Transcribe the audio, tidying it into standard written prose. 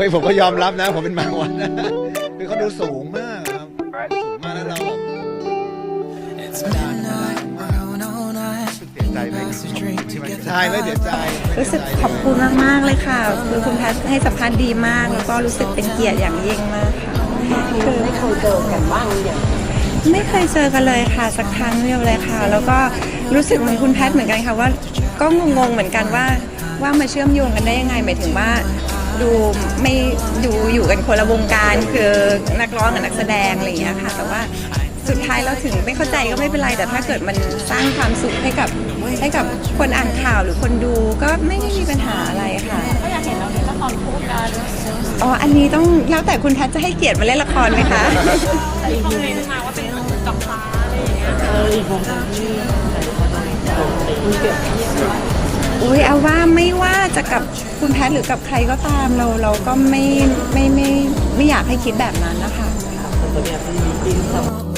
ฮ้ยผมก็ยอมรับนะผมเป็นบางวันนะคือเขาดูสูงมากครับสูงมากแล้วเราแบบเสียใจไหมใช่ไม่เสียใจรู้สึกขอบคุณมากๆเลยค่ะคือคุณแพทให้สัมภาษณ์ดีมากแล้วก็รู้สึกเป็นเกียรติอย่างยิ่งมากค่ะคือไม่เคยเจอกันบ้างอย่างไม่เคยเจอกันเลยค่ะสักครั้งเดียวเลยค่ะแล้วก็รู้สึกเหมือนคุณแพทเหมือนกันค่ะว่าก็งงๆเหมือนกันว่ามาเชื่อมโยงกันได้ยังไงหมายถึงว่าดูไม่อยู่กันคนละวงการคือนักร้องกับนักแสดงอะไรอย่างเงี้ยค่ะแต่ว่าสุดท้ายเราถึงไม่เข้าใจก็ไม่เป็นไรแต่ถ้าเกิดมันสร้างความสุขให้กับคนอ่านข่าวหรือคนดูก็ไม่ได้มีปัญหาอะไรค่ะก็อยากเห็นเราเล่นละครคู่กันอ๋ออันนี้ต้องแล้วแต่คุณแพทจะให้เกียรติมาเล่นละครไหมคะมีคอมเมนต์มาว่าเป็นกับฟ้าอะไรอย่างเงี้ยผมอุ้ยเอาว่าไม่ว่าจะกับคุณแพทหรือกับใครก็ตามเราก็ไม่อยากให้คิดแบบนั้นนะคะ